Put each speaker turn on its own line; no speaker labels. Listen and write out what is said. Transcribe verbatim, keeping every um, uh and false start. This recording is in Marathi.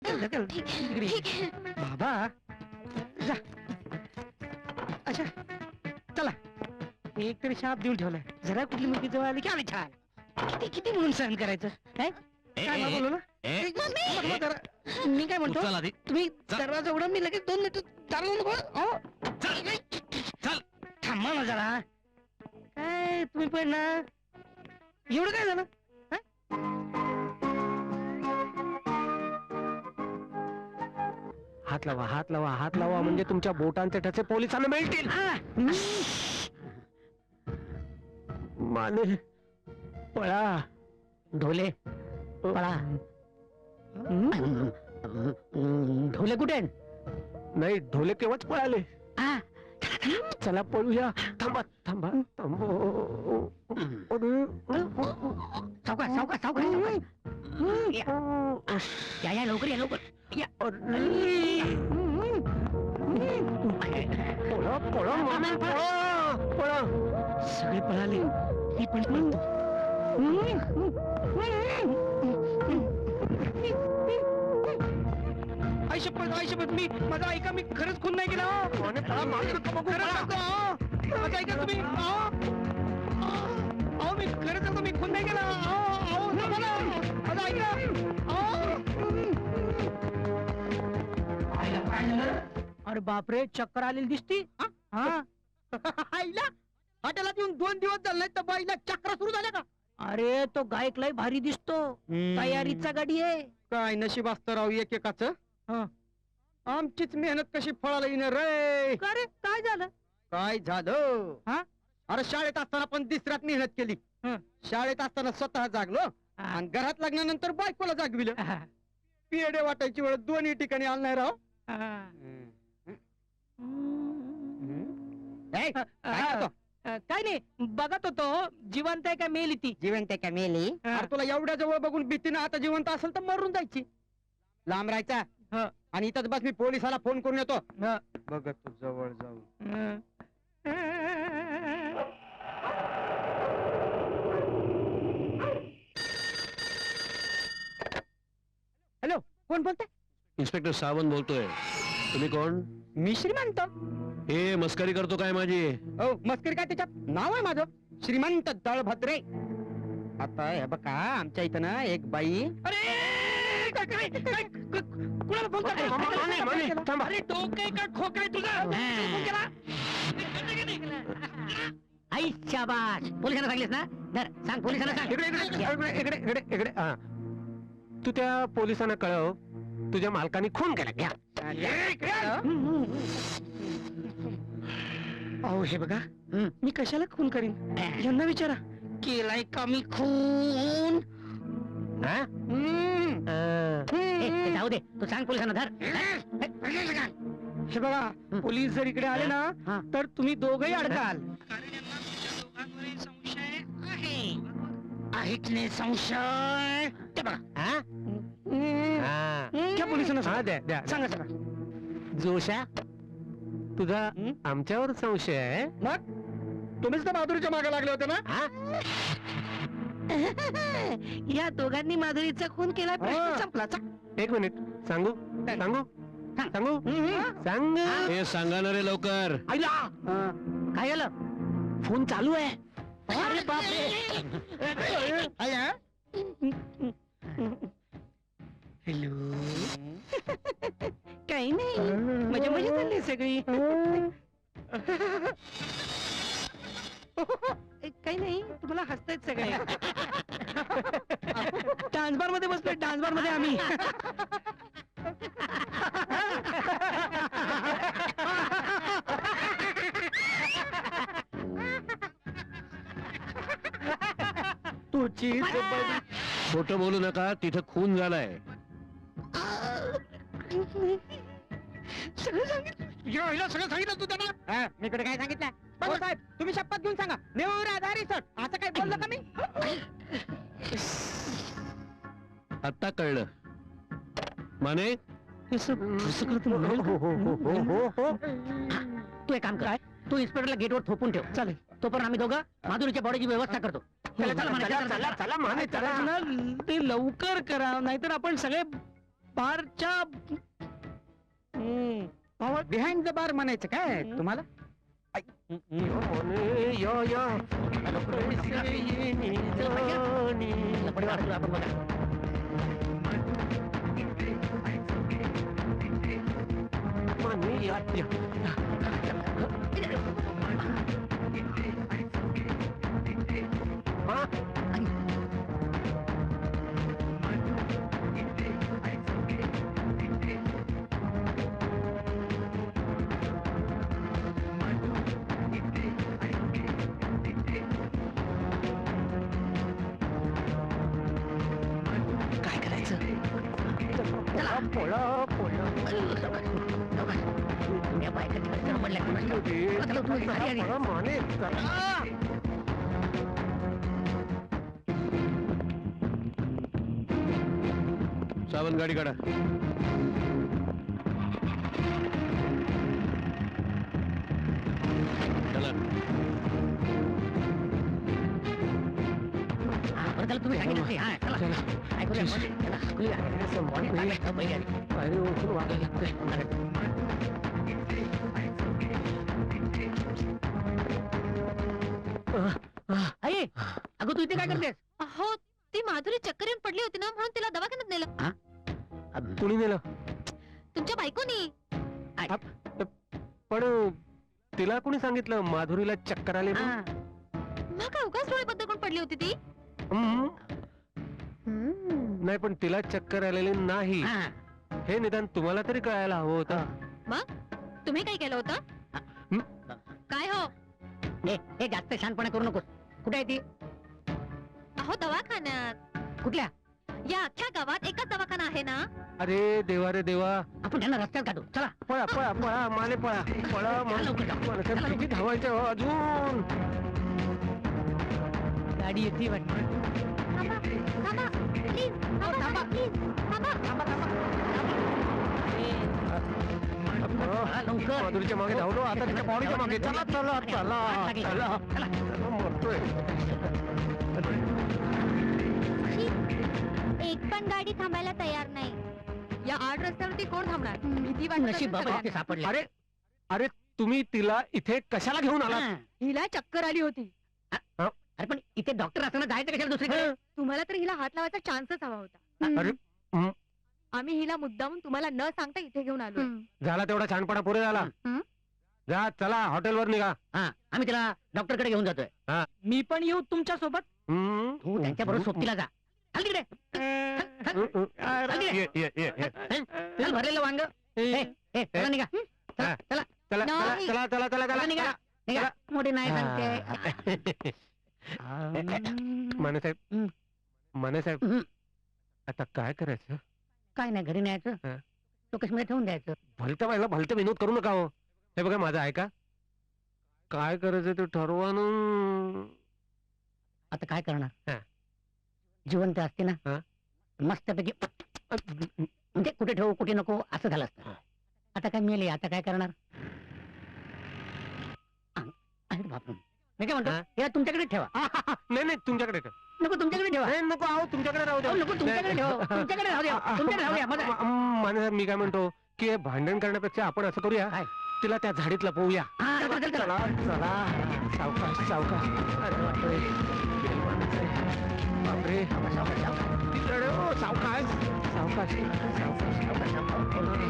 ढकल, इकडे ये. बाबा जा. अच्छा चला, एक तरी शाप देऊन ठेवलाय. जरा कुठली मुलगी जवळ आली की आली छान. किती किती म्हणून सहन करायचं काय? काय मला बोलू ना? एक मिनिट, मग जरा- मी काय म्हणतो,
चल आधी.
तुम्ही दरवाजा उघडा, मी लगेच दोन मिनिट चालू नको. अहो,
चल चल.
थांबा ना जरा. काय तुम्ही पण ना, एवढं काय झालं? हा?
हात लावा, हात लावा, हात लावा, म्हणजे तुमच्या बोटांचे ठसे पोलिसांना मिळतील.
हा.
माने पळा.
ढोले पळा. ढोले कुठे आहेत?
नाही, ढोले केव्हाच पळाले.
हा.
चला पळूया. थांबा थांबा थांबा.
सावकाश सावकाश सावकाश सावकाश. या या लवकर या लवकर या.
पळा पळा माने, पळा पळा.
सगळे पळाले, मी पण पळतो. आई शपथ, आई शपथ, मी माझा ऐका, मी खरंच खून नाही केला. हो.
माने पळा, मागे नका बघू,
खरंच
पळा.
सांगतो, हो. माझं ऐका तुम्ही. अहो, अहो, मी खरंच सांगतो, मी खून नाही केला. अहो, अहो, थांबा ना. माझं ऐका. अहो. अरे बापरे, चक्कर आलेली दिसती. हा. आईला हॉटेलात येऊन दोन दिवस झाले तर बाईला चक्र सुरू झाल्या का? अरे तो गायक लय भारी दिसतो. तयारीचा गाडी आहे.
काय नशीब असतं राव एकेकाच. आमचीच मेहनत कशी फळाला येणार रे.
का रे, काय झालं?
काय झालं?
हा?
अरे शाळेत असताना पण दिसऱ्यात मेहनत केली.
हं.
शाळेत असताना स्वतः जागलो आणि घरात लागल्यानंतर बायकोला जागविलं. पेढे वाटायची वेळ दोन्ही ठिकाणी आलं नाही राव. ए, काय करतो?
काय नाही, बघत होतो जिवंत आहे का मेली ती.
जिवंत आहे का मेली?
हा.
अरे तुला एवढ्या जवळ बघून भीतीनं आता जिवंत असेल तर मरून जायची. लांब राहायचा
हं.
आणि इथंच बस, मी पोलिसाला फोन करून येतो.
हं.
बघत तू जवळ जाऊ.
हं. हॅलो, कोण बोलतंय?
इन्स्पेक्टर सावंत बोलतोय. तुम्ही कोण?
मी श्रीमंत.
हे मस्करी करतो काय माझी?
हो, मस्करी काय, त्याच्यात नाव आहे माझं श्रीमंत दळभद्रे. आता हे बघा, आमच्या इथं ना एक बाई.
अरे काय काय काय क- कुणाला फोन करतोय?
माने, माने, थांबा.
अरे डोकं आहे का खोकं आहे तुझं? फोन केला? आई शाबास, पोलिसांना सांगलीस ना? धर, सांग पोलिसांना सांग.
इकडे इकडे इकडे इकडे इकडे इकडे हा. तू त्या पोलिसांना कळव, तुझ्या मालकाने खून केला. घ्या.
अहो हे बघा, मी कशाला खून करीन? यांना विचारा, केलाय का मी खून?
हा?
हम्म.
हा.
ए, ए, जाऊ दे, तू सांग पोलिसांना. धर. हे बघा, पोलीस जर इकडे आले ना तर तुम्ही दोघही अडकाल. आहे की नाही संशय? ते बघा.
हा?
हम्म.
हा.
घ्या पोलिसांना
हा,
सांगा.
द्या द्या
सांगा सांगा.
जोशा, तुझा
हं?
आमच्यावर संशय आहे?
मग तुम्हीच तर बहादुरीच्या मागे लागले होते ना.
हा?
या दोघांनी माधुरीचा खून केला, प्रश्न
हा.
संपला.
एक मिनिट, सांगू सांगू सांगू सांग.
हे सांगा ना रे लवकर.
आईला काय झालं? फोन चालू आहे. अरे बापरे. हॅलो. काही नाही, मजा मजा चालली सगळी. काही नाही, तुम्हाला हसतायत सगळे. डान्स बार मध्ये बसलोय, डान्स बार मध्ये आम्ही.
तुझी
खोटं बोलू नका, तिथं खून झालाय.
सगळं सांगितलं. या, हिला सगळं सांगितलं तू त्यांना?
हा, मी कडे काय सांगितलं? बघू साहेब, तुम्ही शपथ घेऊन सांगा. नेवर आधारी सर, असं काय बोललो का मी?
आता कळलं. माने,
हे सगळं कसं करतो म्हणाल का?
हो हो हो हो हो.
तू एक काम कर, तू इन्स्पेक्टरला गेटवर थोपून ठेव. चालेल. तोपर्यंत आम्ही दोघं माधुरीच्या बॉडीची व्यवस्था करतो. चला, चला,
चला,
चला,
चला, चला, माने, चला.
ते लवकर करा, नाहीतर आपण सगळे बारच्या हम्म,
बिहाइंड द बार म्हणायचं काय
हम्म.
तुम्हाला
यो मोने, यो यो. कैसे ये निजानी. मने, या, या. हा?
काय करायचं
चला, पळा, पळा.
या बायका तिकडे चढमडल्या कोणाला? चला, तुम्ही घरी आली.
पळा, माने, चला.
सावंत गाडी काढा. चला.
हा, बरं झालं तुम्ही सांगितलं ते. हा, चला. ऐकूया, मध्ये. चला, ऐकूया. मध्ये टाकायचं, बाई आली.
पायरी ओळखून वागायला लागतंय.
आई, अगं तू इथे काय करतेस?
अहो ती माधुरी चक्कर येऊन पडली होती ना म्हणून तिला दवाखान्यात नेलं
कुणी नेलं?
तुमच्या बायकोनी
पण तिला कुणी सांगितलं माधुरीला चक्कर आले
हा,
मग काय उगाच डोळे बंद करून पडली होती ती
नाही, पण तिला चक्कर आलेली नाही
हा.
हे निदान तुम्हाला तरी कळायला हवं होतं.
तुम्ही काय केलं होतं
हं?
काय हो
हे हे जास्त शानपणा करू नकोस. कुठे आहे ती?
अहो दवाखान्यात
कुठल्या?
या अख्ख्या गावात एकच दवाखाना आहे ना
अरे देवा रे देवा,
आपण त्यांना रस्त्यात काढू. चला
पळा पळा पळा माने पळा पळा
चला, लवकर जाऊ.
मला काय किती धावायचं हो अजून.
गाडी येते वाटतं.
थांबा थांबा प्लीज थांबा प्लीज थांबा
चला, लवकर.
माधुरीच्या मागे धावलो, आता तिच्या पावडीच्या मागे. चला चला चला चला चला, मरतोय.
एक पण गाडी थांबायला तयार नाही या आड रस्त्यावरती कोण थांबणार भीती
नशीब बाबा इथे सापडले.
अरे अरे तुम्ही तिला इथे कशाला घेऊन आला?
हा.
हिला चक्कर आली होती
अरे पण इथे डॉक्टर असताना जायचं कशाला दुसरीकडे?
तुम्हाला तर हिला हात लावायचा चान्सच हवा होता
अरे हं.
आम्ही हिला मुद्दामून तुम्हाला न सांगता इथे घेऊन आलो
झाला तेवढा छानपणा पुरे झाला.
हं?
जा चला हॉटेलवर निघा.
हा, आम्ही तिला डॉक्टर कडे घेऊन जातोय.
हा.
मी पण येऊ तुमच्या सोबत?
हं.
तू त्यांच्या बरोबर सोबतीला जा. हल तिकडे.
हं, हं. ये, ये, ये, ये.
चल, भरलेलं वांग. ए, ए, चला निघा. चला,
हा.
चला,
चला चला
नाही.
चला चला चला
चला,
चला
निघा.
चला.
निघा. मोठी नाही सांगते.
माने साहेब
हं.
माने साहेब
हं.
आता काय करायचं?
काय नाही, घरी न्यायचं.
हा.
मध्ये ठेवून द्यायचं.
भलत्या व्हायला भलते विनोद करू नका हो. हे बघा माझं ऐका, काय करायचं ते ठरवा न.
आता काय करणार?
हा.
जिवंत असते ना,
हा.
मस्तपैकी म्हणजे कुठे ठेवू कुठे नको असं झालं असतं. आता काय मेले, आता काय करणार? आ, अरे बापरे. मी काय म्हणतो,
हा?
या तुमच्याकडे ठेवा.
नाही नाही तुमच्याकडे ठेव.
नको तुमच्याकडे ठेवा.
नाही नको आहो, तुमच्याकडे राहू द्या.
अहो, नको तुमच्याकडे ठेवा. तुमच्याकडे राहू द्या. तुमच्याकडे राहू द्या. मजा-
म- म- माने साहेब मी काय म्हणतो की हे भांडण करण्यापेक्षा आपण असं करूया,
काय?
तिला त्या झाडीत लपवूया.
हा, चला, चला, चला.
चला चला सावकाश सावकाश. अरे बापरे. गेली माने साहेब. बापरे.
सावकाश, सावकाश.
तिकडे, ओ, सावकाश सावकाश सावकाश सावकाश.